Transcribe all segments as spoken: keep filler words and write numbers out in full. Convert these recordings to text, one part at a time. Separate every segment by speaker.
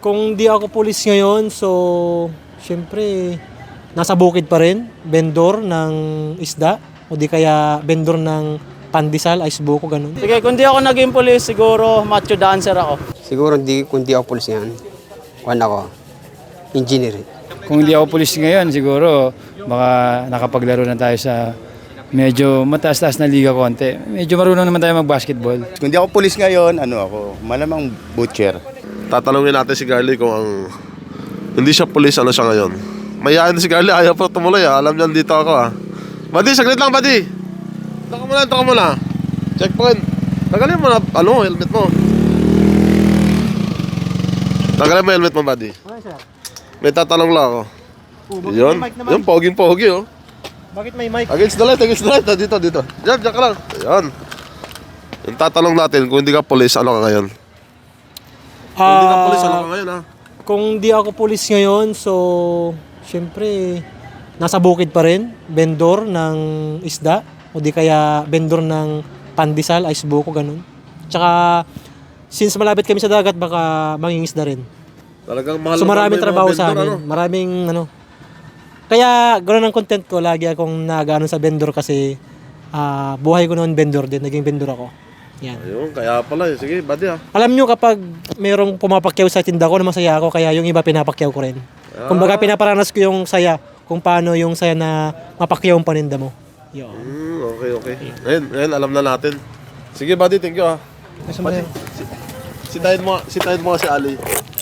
Speaker 1: Kung di ako pulis ngayon, so syempre nasa bukid pa rin, vendor ng isda o di kaya vendor ng pandesal, ice buko, ganun.
Speaker 2: Sige, kung di ako naging pulis, siguro macho dancer ako.
Speaker 3: Siguro hindi, kung di ako pulis yan, kuhan ako, engineer.
Speaker 4: Kung hindi ako pulis ngayon, siguro baka nakapaglaro na tayo sa medyo mataas-taas na liga konti. Medyo marunong naman tayo mag-basketball.
Speaker 5: Kung di ako pulis ngayon, ano ako, malamang butcher.
Speaker 6: Tatanungin natin si Carly kung ang hindi siya pulis, ano siya ngayon. Mayayain si Carly, ayaw pa tumuloy ah. Alam niya dito ako ah. Buddy, saglit lang buddy. Ito ka muna, ito ka muna. Checkpoint. Tagalin mo na, ano, helmet mo. Tagalin mo helmet mo buddy. May tatanong lang ako.
Speaker 1: Oh,
Speaker 6: Yun, yun, poging-pogi oh.
Speaker 1: Bakit may mic?
Speaker 6: Against the light, against the light. Dito, dito. Diyan, diyan ka lang. Ayan. Yung tatanong natin, kung hindi ka pulis, ano ka ngayon? Kung hindi ka pulis, ano ka ngayon ha?
Speaker 1: Kung di ako pulis ngayon, so syempre nasa bukid pa rin, vendor ng isda o di kaya vendor ng pandesal, ice buko, ganun. Tsaka since malapit kami sa dagat, baka mangingisda rin.
Speaker 6: Talagang mahal
Speaker 1: So
Speaker 6: na
Speaker 1: maraming
Speaker 6: mahal
Speaker 1: trabaho
Speaker 6: yung mga
Speaker 1: sa
Speaker 6: vendor,
Speaker 1: amin.
Speaker 6: ano?
Speaker 1: Maraming ano. Kaya ganoon ang content ko, lagi akong nagano sa vendor kasi ah, buhay ko noon vendor din, naging vendor ako. Yan.
Speaker 6: Ayun, kaya pala eh. Sige, buddy ha.
Speaker 1: Alam nyo kapag merong pumapakyaw sa tinda ko na masaya ako, kaya yung iba pinapakyaw ko rin. Kumbaga pinaparanas ko yung saya, kung paano yung saya na mapakyaw ang paninda mo. Yun.
Speaker 6: Hmm, okay, okay. Ngayon, ngayon, alam na natin. Sige, buddy, thank you ha. Buddy, si, sitayin mo, sitayin mo si Ali.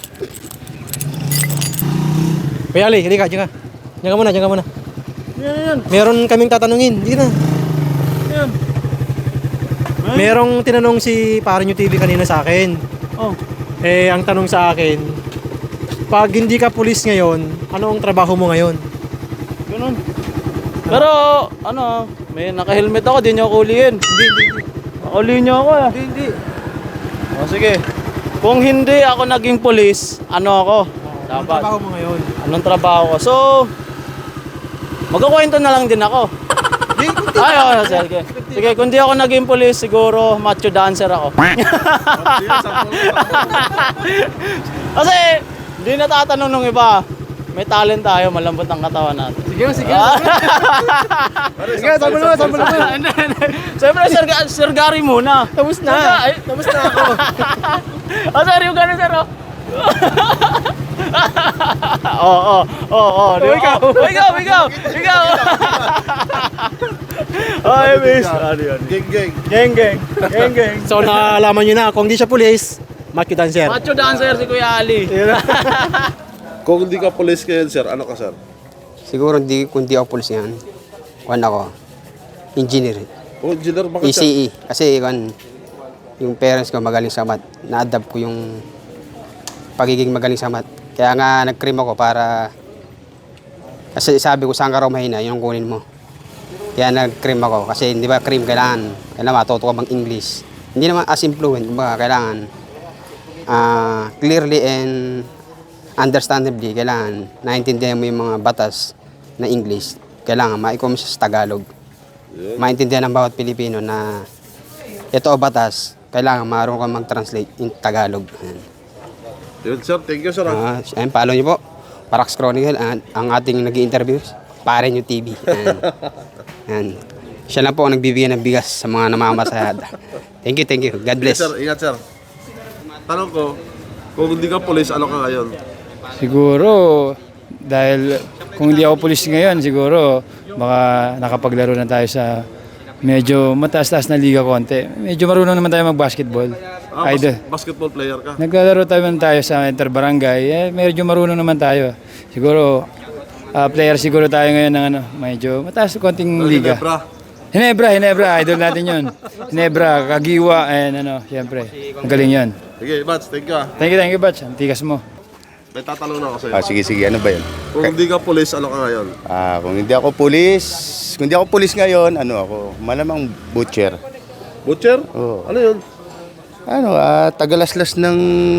Speaker 1: Kuya Ali, hindi ka, diyan ka. Diyan ka muna, diyan ka muna.
Speaker 2: Yan, yan,
Speaker 1: Meron kaming tatanungin, hindi na.
Speaker 2: yan.
Speaker 1: Merong tinanong si Parinyo T V kanina sa akin.
Speaker 2: Oh,
Speaker 1: Eh, ang tanong sa akin, pag hindi ka pulis ngayon, ano ang trabaho mo ngayon?
Speaker 2: ganun. Pero, ano, may naka-helmet ako, di nyo ako ulihin. Hindi, hindi, hindi. Nakulihin nyo ako ah.
Speaker 1: Hindi, hindi.
Speaker 2: O sige, kung hindi ako naging pulis, ano ako?
Speaker 1: Anong
Speaker 2: Dapat.
Speaker 1: trabaho mo ngayon?
Speaker 2: Anong trabaho ko? So, magkukwento na lang din ako. Ay, oh, sige. Sige, kung di ako naging pulis, siguro macho dancer ako. Kasi, hindi natatanong ng iba. May talent tayo, malambot ang katawan natin.
Speaker 1: Sige, sige.
Speaker 6: Sige, sabi mo, sabi mo.
Speaker 2: Hindi, hindi. Siyempre, Sir, Ga- Sir Gary muna.
Speaker 1: Tapos na.
Speaker 2: Ay,
Speaker 1: Tapos na ako.
Speaker 2: oh, sir, yung gano'n, sir, oh. Oo, oo, oo.
Speaker 1: Oh, ikaw.
Speaker 2: Oh, ikaw, ikaw, ikaw. Ay, miss. Ano yan?
Speaker 6: Gang, gang.
Speaker 2: Geng, geng. Geng, geng.
Speaker 1: So, naalaman nyo na, kung di siya pulis, macho dancer.
Speaker 2: Macho dancer si Kuya Ali.
Speaker 6: Kung hindi ka pulis ngayon, sir, ano ka, sir?
Speaker 3: Siguro hindi, kung di ako pulis yan, kuhan ako, engineer.
Speaker 6: Oh, engineer, bakit sir?
Speaker 3: E C E. Kasi kuhan, yung parents ko magaling sa math. Na-adapt ko yung pagiging magaling sa math. Kaya nga nag-cream ako para, kasi sabi ko saan ka raw mahina, yun ang kunin mo. Kaya nag-cream ako. Kasi hindi ba cream kailangan, kailangan matuto ka bang English. Hindi naman as influent, kumbaga kailangan ah, clearly and understandably, kailangan naintindihan mo yung mga batas na English. Kailangan ma-icom siya sa Tagalog. Maintindihan ng bawat Pilipino na ito o batas, kailangan marunong ka mag-translate in Tagalog. Ayan.
Speaker 6: Yun, sir. Thank you, sir.
Speaker 3: Ah,
Speaker 6: ha?
Speaker 3: ayun, follow niyo po. Parax Chronicle, ang, ang ating nag-i-interview, Parinyo T V. Ayan. Ayan. Siya lang po ang nagbibigay ng bigas sa mga namamasayada. Thank you, thank you. God
Speaker 6: Yes,
Speaker 3: bless.
Speaker 6: sir. Ingat, sir. Tanong ko, kung hindi ka pulis, ano ka ngayon?
Speaker 4: Siguro, dahil kung hindi ako pulis ngayon, siguro baka nakapaglaro na tayo sa medyo mataas-taas na liga konti. Medyo marunong naman tayo mag-basketball.
Speaker 6: Ah, bas-
Speaker 4: Idol.
Speaker 6: basketball player ka.
Speaker 4: Naglalaro tayo tayo sa interbarangay. Eh, medyo marunong naman tayo. Siguro, ah, player siguro tayo ngayon ng ano, medyo mataas konting liga.
Speaker 6: Ginebra.
Speaker 4: Hinebra, Hinebra, idol natin yun. Hinebra, Kagiwa, and ano, siyempre. Ang galing yun.
Speaker 6: Sige, Bats, thank you ha.
Speaker 4: Thank you, thank you, Batch. Ang tikas mo.
Speaker 6: May tatanong na ako sa'yo.
Speaker 5: Ah, sige, sige, ano ba yun?
Speaker 6: Kung hindi ka pulis, ano ka ngayon?
Speaker 5: Ah, kung hindi ako pulis, kung hindi ako pulis ngayon, ano ako, malamang butcher.
Speaker 6: Butcher?
Speaker 5: Oo.
Speaker 6: Ano yun?
Speaker 5: Ano, ah, tagalaslas ng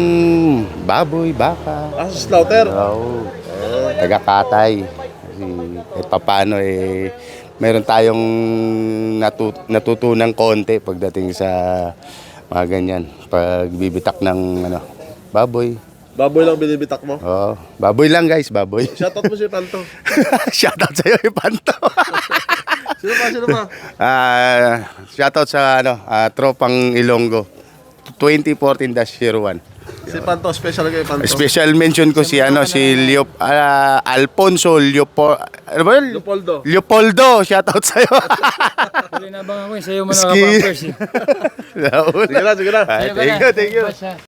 Speaker 5: baboy, baka.
Speaker 6: Ah, slaughter.
Speaker 5: Oo. Taga-katay. Kasi kahit papaano eh, meron tayong natu- natutunang konti pagdating sa mga ganyan. Pag bibitak ng ano, baboy.
Speaker 6: Baboy lang binibitak mo.
Speaker 5: Oh, baboy lang guys, baboy.
Speaker 6: Shoutout mo si Panto.
Speaker 5: Shoutout sa'yo, Ipanto.
Speaker 6: Sino pa, sino pa?
Speaker 5: Ah, shoutout sa ano, ah, tropang Ilonggo. twenty fourteen dash zero one.
Speaker 6: Si Panto, special kay Panto.
Speaker 5: Special mention ko si ano si Leop ah, Alfonso Leopo ano ba? yun?
Speaker 6: Leopoldo.
Speaker 5: Leopoldo, shoutout sa iyo.
Speaker 4: Huli na bang ako, sa'yo mo na
Speaker 5: Ski.
Speaker 4: ako first eh.
Speaker 5: Sige
Speaker 6: Sige na, sige na.
Speaker 5: Thank you, thank you.